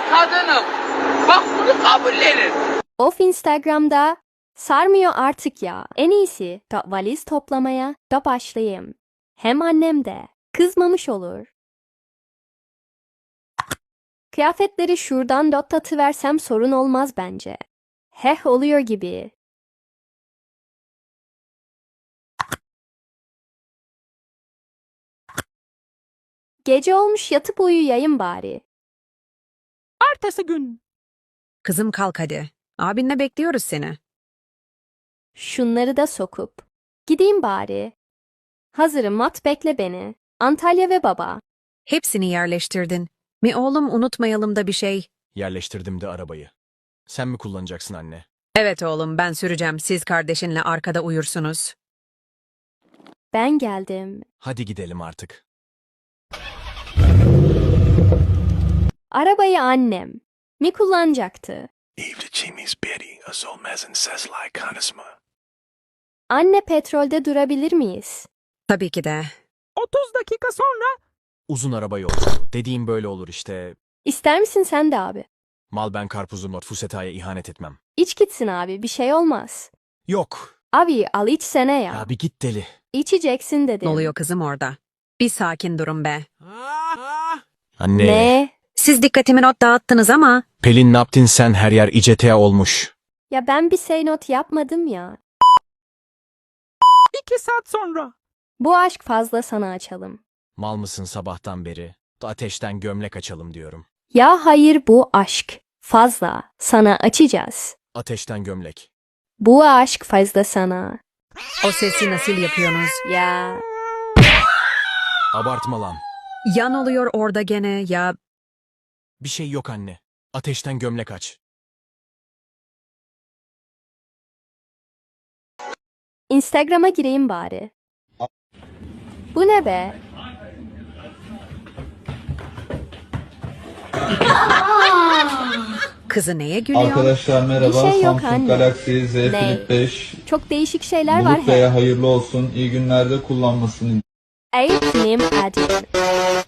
kadınım. Bak bunu kabullenin. Of Instagram'da sarmıyor artık ya. En iyisi da valiz toplamaya da başlayayım. Hem annem de kızmamış olur. Kıyafetleri şuradan dot atıversem sorun olmaz bence. Heh oluyor gibi. Gece olmuş yatıp uyuyayım bari. Ertesi gün. Kızım kalk hadi. Abinle bekliyoruz seni. Şunları da sokup. Gideyim bari. Hazırım mat bekle beni. Antalya ve baba. Hepsini yerleştirdin. Mi oğlum unutmayalım da bir şey. Yerleştirdim de arabayı. Sen mi kullanacaksın anne? Evet oğlum ben süreceğim. Siz kardeşinle arkada uyursunuz. Ben geldim. Hadi gidelim artık. Arabayı annem mi kullanacaktı? Evliliğimiz beri az olmazın sesler konuşma. Anne petrolde durabilir miyiz? Tabii ki de. 30 dakika sonra. Uzun araba yolculuğu. Dediğim böyle olur işte. İster misin sen de abi? Mal ben karpuzum not Fuseta'ya ihanet etmem. İç gitsin abi bir şey olmaz. Yok. Abi al içsene ya. Ya bir git deli. İçeceksin dedim. Ne oluyor kızım orada? Bir sakin durun be. Anne. Ne? Siz dikkatimi not dağıttınız ama. Pelin ne yaptın sen her yer İCTA olmuş. Ya ben bir say not yapmadım ya. 2 saat sonra. Bu aşk fazla sana açalım. Mal mısın sabahtan beri? Ateşten gömlek açalım diyorum. Ya hayır bu aşk fazla sana açacağız. Ateşten gömlek. Bu aşk fazla sana. O sesi nasıl yapıyorsunuz? Ya Abartma lan. Yan oluyor orada gene ya. Bir şey yok anne. Ateşten gömlek aç. Instagram'a gireyim bari. Bu ne be? Kızı neye gülüyor? Arkadaşlar merhaba. Bir şey yok Samsung anne. Galaxy Z Ne? Flip 5 Çok değişik şeyler var Bulut Bey'e he. hayırlı olsun. İyi günlerde kullanmasını Eğitim admin.